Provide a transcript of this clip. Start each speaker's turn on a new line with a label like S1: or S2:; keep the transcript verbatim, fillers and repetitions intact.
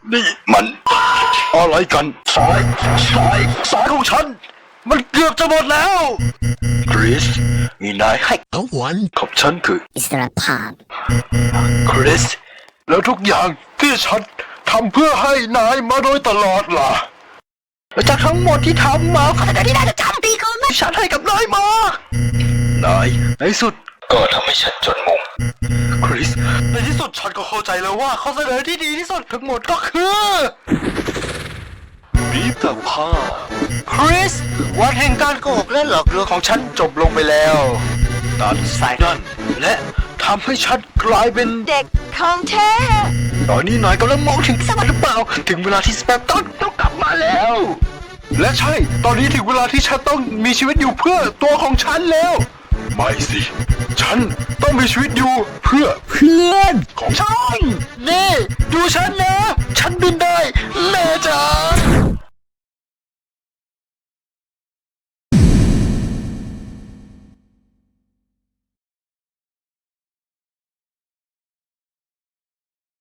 S1: นี่มันอะไรกันสายสายสายของฉันมันเกือบจะหมดแล้วคริสมีนายให้
S2: No one
S1: กับฉันคือ
S3: อิสรภาพ
S1: คริสแล้วทุกอย่างที่ฉันทำเพื่อให้นายมาโดยตลอดล่ะและจากทั้งหมดที่ทำมาขนาดที่นายจะทำดีก็ไม่ฉันให้กับนายมานายในสุดก็ทำให้ฉันจนมุมคริสในที่สุดฉันก็เข้าใจแล้วว่าข้อเสนอที่ดีที่สุดทั้งหมดก็คือรีบแต่ผ้าคริสวันแห่งการโกหกและหลอกลวงของฉันจบลงไปแล้วตัดสายนั่นและทำให้ฉันกลายเป็น
S4: เด็กของแท้
S1: ตอนนี้นายกำลังมองถึงสวรรค์หรือเปล่าถึงเวลาที่สแปมต้องต้องกลับมาแล้ว และใช่ตอนนี้ถึงเวลาที่ฉันต้องมีชีวิตอยู่เพื่อตัวของฉันแล้วไม่สิฉันต้องมีชีวิตอยู่เพื่อเพื่อนของฉันนี่ดูฉันนะ